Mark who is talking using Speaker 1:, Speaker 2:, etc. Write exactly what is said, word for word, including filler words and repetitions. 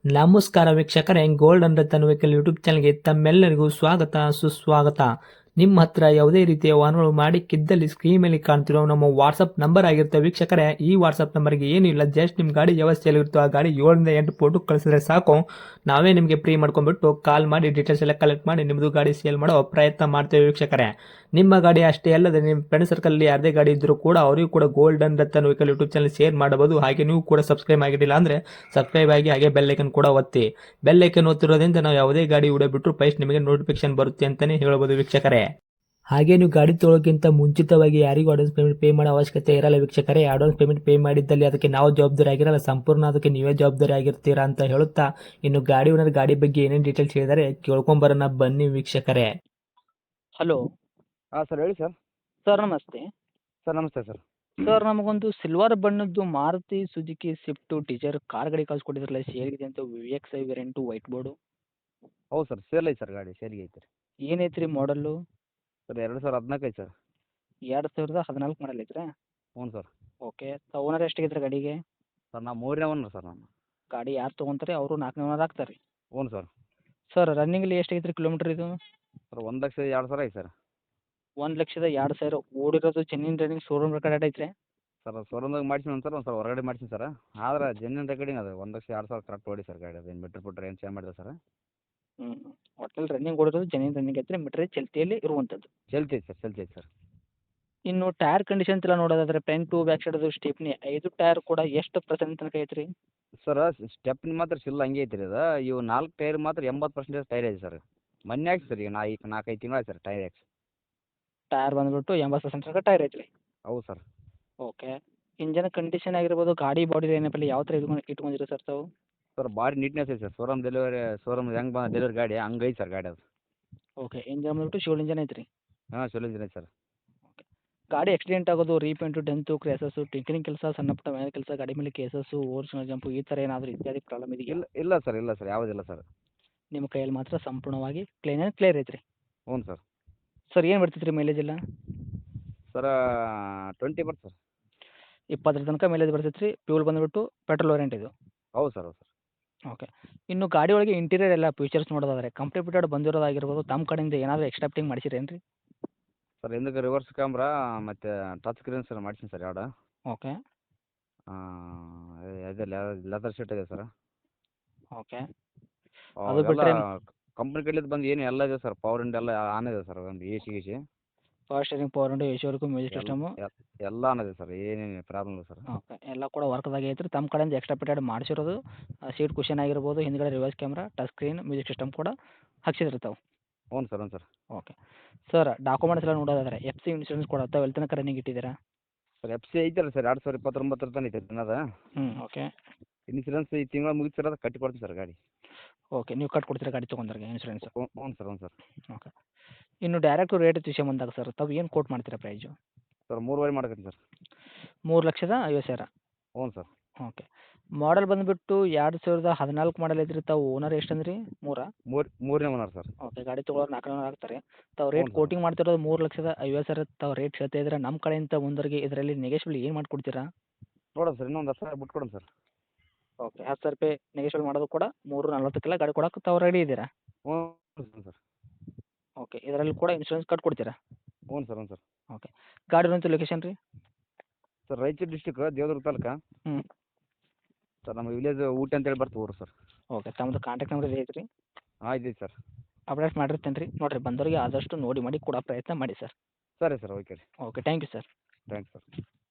Speaker 1: ನಮಸ್ಕಾರ ವೀಕ್ಷಕರೇ, gold and Ratan vehicle YouTube ಚಾನಲ್ಗೆ ತಮ್ಮೆಲ್ಲರಿಗೂ ಸ್ವಾಗತ ಸುಸ್ವಾಗತ. ನಿಮ್ಮ ಹತ್ರ ಯಾವುದೇ ರೀತಿಯ ವಾಹನಗಳು ಮಾಡಿಕ್ಕಿದ್ದಲ್ಲಿ ಸ್ಕ್ರೀನ್ ಮೇಲೆ ಕಾಣ್ತಿರೋ ನಮ್ಮ ವಾಟ್ಸಪ್ ನಂಬರ್ ಆಗಿರುತ್ತೆ ವೀಕ್ಷಕರೇ. ಈ ವಾಟ್ಸಪ್ ನಂಬರ್ಗೆ ಏನಿಲ್ಲ, ಜಸ್ಟ್ ನಿಮ್ಮ ಗಾಡಿ ವ್ಯವಸ್ಥೆಯಲ್ಲಿರುತ್ತೋ ಆ ಗಾಡಿ ಏಳರಿಂದ ಎಂಟು ಫೋಟೋ ಕಳಿಸಿದ್ರೆ ಸಾಕು, ನಾವೇ ನಿಮಗೆ ಫ್ರೀ ಮಾಡ್ಕೊಂಡ್ಬಿಟ್ಟು ಕಾಲ್ ಮಾಡಿ ಡೀಟೇಲ್ಸ್ ಎಲ್ಲ ಕಲೆಕ್ಟ್ ಮಾಡಿ ನಿಮ್ಮದು ಗಾಡಿ ಸೇಲ್ ಮಾಡೋ ಪ್ರಯತ್ನ ಮಾಡ್ತೇವೆ ವೀಕ್ಷಕರೇ. ನಿಮ್ಮ ಗಾಡಿ ಅಷ್ಟೇ ಅಲ್ಲದೆ ನಿಮ್ಮ ಫ್ರೆಂಡ್ ಸರ್ಕಲ್ ಯಾರದೇ ಗಾಡಿ ಇದ್ದರೂ ಕೂಡ ಅವರಿಗೂ ಕೂಡ gold and Ratan vehicle YouTube channel share ಮಾಡಬಹುದು. ಹಾಗೆ ನೀವು ಕೂಡ ಸಬ್ಸ್ಕ್ರೈಬ್ ಆಗಿರಲಿಲ್ಲ ಅಂದರೆ ಸಬ್ಸ್ಕ್ರೈಬ್ ಆಗಿ ಹಾಗೆ ಬೆಲ್ ಐಕನ್ ಕೂಡ ಒತ್ತಿ. ಬೆಲ್ ಐಕನ್ ಒತ್ತಿರೋದ್ರಿಂದ ನಾವು ಯಾವುದೇ ಗಾಡಿ ವಿಡಿಯೋ ಬಿಟ್ಟರು ಫಸ್ಟ್ ನಿಮಗೆ ನೋಟಿಫಿಕೇಶನ್ ಬರುತ್ತೆ ಅಂತಾನೆ ಹೇಳ್ಬೋದು ವೀಕ್ಷಕರೇ. ಹಾಗೆ ನೀವು ಗಾಡಿ ತೊಳೋಕ್ಕಿಂತ ಮುಂಚಿತವಾಗಿ ಯಾರಿಗೂ ಅಡ್ವಾನ್ಸ್ ಪೇಮೆಂಟ್ ಪೇ ಮಾಡೋ ಅವಶ್ಯಕತೆ ಇರಲ್ಲ ವೀಕ್ಷಕರೇ. ಅಡ್ವಾನ್ಸ್ ಪೇಮೆಂಟ್ ಪೇ ಮಾಡಿದ್ದಲ್ಲಿ ಅದಕ್ಕೆ ನಾವು ಜವಾಬ್ದಾರಿ ಆಗಿರಲ್ಲ, ಸಂಪೂರ್ಣ ಅದಕ್ಕೆ ನೀವೇ ಜವಾಬ್ದಾರಿ ಆಗಿರ್ತೀರಾ ಅಂತ ಹೇಳುತ್ತಾ, ಇನ್ನು ಗಾಡಿ ಓನರ್ ಗಾಡಿ ಬಗ್ಗೆ ಏನೇನು ಡೀಟೇಲ್ಸ್ ಹೇಳಿದರೆ ಕೇಳ್ಕೊಂಬರೋಣ ಬನ್ನಿ ವೀಕ್ಷಕರೇ.
Speaker 2: ಹಲೋ
Speaker 3: ಹಾಂ ಸರ್, ಹೇಳಿ ಸರ್.
Speaker 2: ಸರ್ ನಮಸ್ತೆ.
Speaker 3: ಸರ್ ನಮಸ್ತೆ ಸರ್.
Speaker 2: ಸರ್ ನಮಗೊಂದು ಸಿಲ್ವರ್ ಬಣ್ಣದ್ದು Maruti Suzuki Swift Dzire car ಗಾಡಿ ಕಳ್ಸಿಕೊಟ್ಟಿದ್ರಲ್ಲ, ಸೇಲ್ಗಿದೆ ಅಂತ V X I variant white board.
Speaker 3: ಹೌದು ಸರ್, ಸೇಲ್ ಐತೆ ಸರ್, ಗಾಡಿ ಸೇಲ್ಗೆ ಐತೆ ರೀ.
Speaker 2: ಏನೈತೆ ರೀ ಮಾಡಲ್ಲು?
Speaker 3: ಸರ್ ಎರಡು ಸಾವಿರ ಹದಿನಾಲ್ಕು ಐತೆ ಸರ್.
Speaker 2: ಎರಡು ಸಾವಿರದ ಹದಿನಾಲ್ಕು ಮಾಡಲ್ ಐತ್ರಾ?
Speaker 3: ಹ್ಞೂ ಸರ್.
Speaker 2: ಓಕೆ. ಓನರ್ ಎಷ್ಟಾಗೈತೆ ರೀ ಗಾಡಿಗೆ?
Speaker 3: ಸರ್ ನಾವು ಮೂರನೇ ಓನರ್ ಸರ್ ನಾನು.
Speaker 2: ಗಾಡಿ ಯಾರು ತೊಗೊಂತಾರೆ ಅವರು ನಾಲ್ಕನೇ ಓನರ್ ಆಗ್ತಾರೆ ರೀ?
Speaker 3: ಹ್ಞೂ ಸರ್.
Speaker 2: ಸರ್ ರನ್ನಿಂಗಲ್ಲಿ ಎಷ್ಟಾಗೈತೆ ರೀ ಕಿಲೋಮೀಟ್ರ್ ಇದು?
Speaker 3: ಸರ್ ಒಂದು ಲಕ್ಷ ಎರಡು ಸಾವಿರ ಐತೆ ಸರ್.
Speaker 2: ಒಂದು ಲಕ್ಷದ ಎರಡು ಸಾವಿರ ಓಡಿರೋದು ಚೆನ್ನಿನ ರನ್ನಿಂಗ್ ಶೋರೂಮ್ ರೆಕಾರ್ಡ್ ಐತ್ರಿ?
Speaker 3: ಸರ್ ಶೋರೂಮ್ದಾಗ ಮಾಡ್ಸಿನಿ ಸರ್, ಒಂದು ಸರ್ ಹೊರಗಡೆ ಮಾಡ್ಸಿನಿ ಸರ್. ಆದ್ರೆ ಜೆನ್ಯನ್ ರೆಕಾರ್ಡಿಂಗ್ ಅದು ಒಂದು ಲಕ್ಷ ಎರಡು ಸಾವಿರ ಕರೆಕ್ಟ್ ಓಡಿ ಸರ್ ಗಾಡಿ. ಅದೇನು ಮೀಟ್ರ್ ಬಿಟ್ರೆ ಏನು ಚೇಂಜ್ ಮಾಡಿದೆ ಸರ್?
Speaker 2: ಹ್ಞೂ ಒಟ್ಟಲ್ಲಿ ರನ್ನಿಂಗ್ ಓಡಿರೋದು ಚೆನ್ನಿನ ರನ್ನಿಂಗ್ ಐತ್ರಿ, ಮೀಟ್ರ್ ಚಲ್ತಿಯಲ್ಲಿ ಇರುವಂಥದ್ದು.
Speaker 3: ಚಲ್ತಿ ಐತೆ ಸರ್, ಚಲ್ತಿ ಐತೆ ಸರ್.
Speaker 2: ಇನ್ನು ಟೈರ್ ಕಂಡೀಷನ್ ಎಲ್ಲ ನೋಡೋದಾದ್ರೆ ಫ್ರಂಟು ಬ್ಯಾಕ್ ಸೈಡದು ಸ್ಟೆಪ್ನಿ ಐದು ಟೈರ್ ಕೂಡ ಎಷ್ಟು ಪರ್ಸೆಂಟ್ ತನಕ ಐತ್ರಿ?
Speaker 3: ಸರ್ ಸ್ಟೆಪ್ನಿ ಮಾತ್ರ ಸಿಲ್ಲ ಹಂಗೆ ಐತೆ ರೀ ಅದು. ಇವು ನಾಲ್ಕು ಟೈರ್ ಮಾತ್ರ ಎಂಬತ್ತು ಪರ್ಸೆಂಟೇಜ್ ಟೈರ್ ಐತೆ ಸರ್. ಮೊನ್ನೆ ಹಾಕಿ ಸರ್, ಈಗ ನಾ ಈಗ ನಾಲ್ಕೈದು ತಿಂಗಳು ಆಯ್ತು ಸರ್ ಟೈರ್ ಹಾಕ್ಸಿ.
Speaker 2: ಟೈರ್ ಬಂದುಬಿಟ್ಟು ಎಂಬತ್ತು ಪರ್ಸೆಂಟ್ ತನಕ ಟೈರ್ ಐತ್ರಿ?
Speaker 3: ಹೌದು ಸರ್.
Speaker 2: ಓಕೆ. ಇಂಜನ್ ಕಂಡೀಷನ್ ಆಗಿರ್ಬೋದು, ಗಾಡಿ ಬಾಡಿ ಏನಪ್ಪಲ್ಲ ಯಾವ ಥರ ಇಟ್ಕೊಂಡು ಇಟ್ಕೊಂಡಿರಿ ಸರ್ ತಾವು?
Speaker 3: ಸರ್ ಭಾರಿ ನೀಟ್ನೆಸ್ ಐತೆ ಸರ್. ಶೋರೂಮ್ ಡೆಲಿವರಿ ಶೋರೂಮ್ ಹೆಂಗೆ ಬಂದ ಡೆಲಿವರಿ ಗಾಡಿ ಹಂಗೆ ಐತೆ ಸರ್ ಗಾಡಿ ಅದು.
Speaker 2: ಓಕೆ. ಇಂಜನ್ ಬಂದುಬಿಟ್ಟು ಶಿವಲ್ ಇಂಜನ್ ಐತ್ರಿ?
Speaker 3: ಹಾಂ ಚಲೋ ಇಂಜಿನ್ ಐತೆ ಸರ್.
Speaker 2: ಓಕೆ. ಗಾಡಿ ಆಕ್ಸಿಡೆಂಟ್ ಆಗೋದು, ರೀಪೇಂಟು, ಡೆಂತು, ಕ್ರ್ಯಾಸಸ್ಸು, ಟಿಂಕರಿಂಗ್ ಕೆಲಸ, ಸಣ್ಣ ಪುಟ್ಟ ಮೇಲೆ ಕೆಲಸ, ಗಾಡಿ ಮೇಲೆ ಕೇಸಸ್ಸು, ಓರ್ಜಿನಲ್ ಜಂಪು ಈ ಥರ ಏನಾದರೂ ಇತ್ಯಾದಿ ಪ್ರಾಬ್ಲಮ್ ಇದೆಯಾ?
Speaker 3: ಇಲ್ಲ ಇಲ್ಲ ಸರ್, ಇಲ್ಲ ಸರ್, ಯಾವುದಿಲ್ಲ ಸರ್.
Speaker 2: ನಿಮ್ಮ ಕೈಯಲ್ಲಿ ಮಾತ್ರ ಸಂಪೂರ್ಣವಾಗಿ ಕ್ಲೀನ್ ಆ್ಯಂಡ್ ಕ್ಲಿಯರ್ ಐತ್ರಿ?
Speaker 3: ಹ್ಞೂ ಸರ್.
Speaker 2: ಸರ್ ಏನು ಬರ್ತೈತೆ ರೀ ಮೈಲೇಜ್ ಎಲ್ಲ?
Speaker 3: ಸರ ಟ್ವೆಂಟಿ ಬರ್ತದೆ ಸರ್.
Speaker 2: ಇಪ್ಪತ್ತರ ತನಕ ಮೈಲೇಜ್ ಬರ್ತೈತೆ ರೀ. ಫ್ಯೂಲ್ ಬಂದುಬಿಟ್ಟು ಪೆಟ್ರೋಲ್ ವೇರಿಯಂಟ್ ಇದು?
Speaker 3: ಹೌದು ಸರ್, ಹೌದು ಸರ್.
Speaker 2: ಓಕೆ. ಇನ್ನು ಗಾಡಿ ಒಳಗೆ ಇಂಟೀರಿಯರ್ ಎಲ್ಲ ಫೀಚರ್ಸ್ ನೋಡೋದಾದ್ರೆ ಕಂಪ್ಲೀಟ್ ಫಿಟೆಡ್ ಬಂದಿರೋದಾಗಿರ್ಬೋದು, ತಮ್ಮ ಕಡೆಯಿಂದ ಏನಾದರೂ ಎಕ್ಸ್ಟ್ರಾ ಫಿಟ್ಟಿಂಗ್ ಮಾಡಿಸಿರೇನು ರೀ?
Speaker 3: ಸರ್ ಹಿಂದಕ್ಕೆ ರಿವರ್ಸ್ ಕ್ಯಾಮ್ರಾ ಮತ್ತು ಟಚ್ ಸ್ಕ್ರೀನ್ ಸರ್ ಮಾಡ್ಸೀನಿ ಸರ್ ಎರಡು.
Speaker 2: ಓಕೆ.
Speaker 3: ಇದು ಲೆದರ್ ಶೀಟ್ ಇದೆ ಸರ್.
Speaker 2: ಓಕೆ. ಅದು
Speaker 3: ಅವೆಲ್ಲ
Speaker 2: ಬಿಟ್ಟರೆ
Speaker 3: ಕಂಪ್ನಿ ಕಡೆಯಿಂದ ಬಂದು ಏನು ಎಲ್ಲ ಇದೆ ಸರ್. ಪವರ್ ಇಂಡ್ ಎಲ್ಲ ಆನ್ ಇದೆ ಸರ್. ಒಂದು ಎ ಸಿ ಗಿ
Speaker 2: power steering, power window, A C work, music system
Speaker 3: ಎಲ್ಲ ಆನ್ ಇದೆ ಸರ್. ಏನೇನು ಪ್ರಾಬ್ಲಮ್ ಇಲ್ಲ ಸರ್.
Speaker 2: ಓಕೆ. ಎಲ್ಲ ಕೂಡ ವರ್ಕ್ದಾಗೆ ಐತ್ರಿ. ತಮ್ಮ ಕಡೆಯಿಂದ ಎಕ್ಸ್ಟ್ರಾ ಫಿಟೆಡ್ ಮಾಡಿಸಿರೋದು ಸೀಟ್ ಕುಷನ್ ಆಗಿರ್ಬೋದು, ಹಿಂದ್ಗಡೆ reverse camera, touch screen, music system ಕೂಡ ಹಾಕ್ಸಿದ್ರಿ ತಾವು?
Speaker 3: ಹ್ಞೂ ಸರ್, ಹ್ಞೂ ಸರ್.
Speaker 2: ಓಕೆ. ಸರ್ ಡಾಕ್ಯುಮೆಂಟ್ಸ್ ಎಲ್ಲ ನೋಡೋದಾದ್ರೆ ಎಫ್ ಸಿ ಇನ್ಶೂರೆನ್ಸ್ ಕೂಡ ತಾವು ಎಲ್ಲಿ ತನಕ ರನ್ನಿಂಗ್ ಇಟ್ಟಿದ್ದೀರಾ?
Speaker 3: ಸರ್ ಎಫ್ ಸಿ ಐತಲ್ಲ ಸರ್, ಎರಡು ಸಾವಿರ ಇಪ್ಪತ್ತೊಂಬತ್ತರ ತನಕ ಐತೆ ದಿನದ
Speaker 2: ಹ್ಞೂ. ಓಕೆ.
Speaker 3: ಇನ್ಸೂರೆನ್ಸ್ ಈ ತಿಂಗಳು ಮುಗಿತು ಸರ್. ಅದು ಕಟ್ಟಿ ಕೊಡ್ತೀನಿ ಸರ್ ಗಾಡಿ.
Speaker 2: ಓಕೆ. ನೀವು ಕಟ್ ಕೊಡ್ತೀರಾ ಗಾಡಿ ತೊಗೊಂಡ್ರಿಗೆ ಇನ್ಶೂರೆನ್ಸ್?
Speaker 3: ಹ್ಞೂ ಹ್ಞೂ ಸರ್, ಹ್ಞೂ ಸರ್.
Speaker 2: ಓಕೆ. ಇನ್ನು ಡೈರೆಕ್ಟ್ ರೇಟ್ ವಿಷಯ ಬಂದಾಗ ಸರ್ ತಾವು ಏನು ಕೋಟ್ ಮಾಡ್ತೀರಾ ಪ್ರೈಸು?
Speaker 3: ಸರ್ ಮೂರುವರೆ ಮಾಡ್ತೀನಿ ಸರ್.
Speaker 2: ಮೂರು ಲಕ್ಷದ ಐವತ್ತು ಸಾವಿರ?
Speaker 3: ಹ್ಞೂ ಸರ್.
Speaker 2: ಓಕೆ. ಮಾಡಲ್ ಬಂದುಬಿಟ್ಟು ಎರಡು ಸಾವಿರದ ಹದಿನಾಲ್ಕು ಮಾಡಲ್ ಐತ್ರಿ. ತಾವು ಓನರ್ ಎಷ್ಟು ಅಂದ್ರಿ? ಮೂರಾ?
Speaker 3: ಮೂರು ಮೂರನೇ ಓನರ್ ಸರ್.
Speaker 2: ಓಕೆ. ಗಾಡಿ ತೊಗೊಳೋರು ನಾಲ್ಕು ಓನರ್ ಆಗ್ತಾರೆ. ತಾವು
Speaker 3: ಹ್ಞೂ
Speaker 2: ರೇಟ್
Speaker 3: ಸರ್.
Speaker 2: ಕೋಟಿಂಗ್ ಮಾಡ್ತಿರೋದು ಮೂರು ಲಕ್ಷದ ಐವತ್ತು ಸಾವಿರ ತಾವು ರೇಟ್ ಹೇಳ್ತಾ ಇದ್ರೆ, ನಮ್ಮ ಕಡೆಯಿಂದ ಮುಂದರಿಗೆ ಇದರಲ್ಲಿ ನೆಗೆಶ್ಬಲ್ ಏನು ಮಾಡಿಕೊಡ್ತೀರಾ?
Speaker 3: ನೋಡೋಣ ಸರ್, ಇನ್ನೊಂದು ಹತ್ತು ಸಾವಿರ ಬಿಟ್ಟು ಕೊಡೋಣ ಸರ್.
Speaker 2: ಓಕೆ. ಹತ್ತು ಸಾವಿರ ರೂಪಾಯಿ ನೆಗೆಶ್ಬಲ್ ಮಾಡೋದು ಕೂಡ ಮೂರು ನಲ್ವತ್ತಕ್ಕೆಲ್ಲ ಗಾಡಿ ಕೊಡೋಕೆ ತಾವು ರೆಡಿ ಇದ್ದೀರಾ?
Speaker 3: ಹ್ಞೂ ಸರ್.
Speaker 2: ಓಕೆ. ಇದರಲ್ಲಿ ಕೂಡ ಇನ್ಶೂರೆನ್ಸ್ ಕಟ್ ಕೊಡ್ತೀರಾ?
Speaker 3: ಹ್ಞೂ ಸರ್, ಹ್ಞೂ ಸರ್.
Speaker 2: ಓಕೆ. ಗಾಡಿ ಇರುವಂಥ ಲೊಕೇಶನ್ ರೀ?
Speaker 3: Sir Raichur district Devadurga taluk.
Speaker 2: ಹ್ಞೂ.
Speaker 3: ಸರ್ ನಮ್ಮ ವಿಲೇಜ್ ಊಟಿ ಅಂತೇಳಿ ಬರ್ತದೆ ಊರು ಸರ್.
Speaker 2: ಓಕೆ. ತಮ್ಮದು ಕಾಂಟ್ಯಾಕ್ಟ್ ನಂಬರ್ ಇದೆ ಐತ್ರಿ?
Speaker 3: ಆಯ್ತು ಐತೆ ಸರ್.
Speaker 2: ಅಪ್ಡೇಟ್ ಮಾಡಿರ್ತೇನೆ ರೀ. ನೋಡಿರಿ ಬಂದವರಿಗೆ ಆದಷ್ಟು ನೋಡಿ ಮಾಡಿ ಕೊಡೋ ಪ್ರಯತ್ನ ಮಾಡಿ ಸರ್.
Speaker 3: ಸರಿ ಸರ್, ಓಕೆ ರೀ.
Speaker 2: Okay. Thank you sir.
Speaker 3: Thanks sir.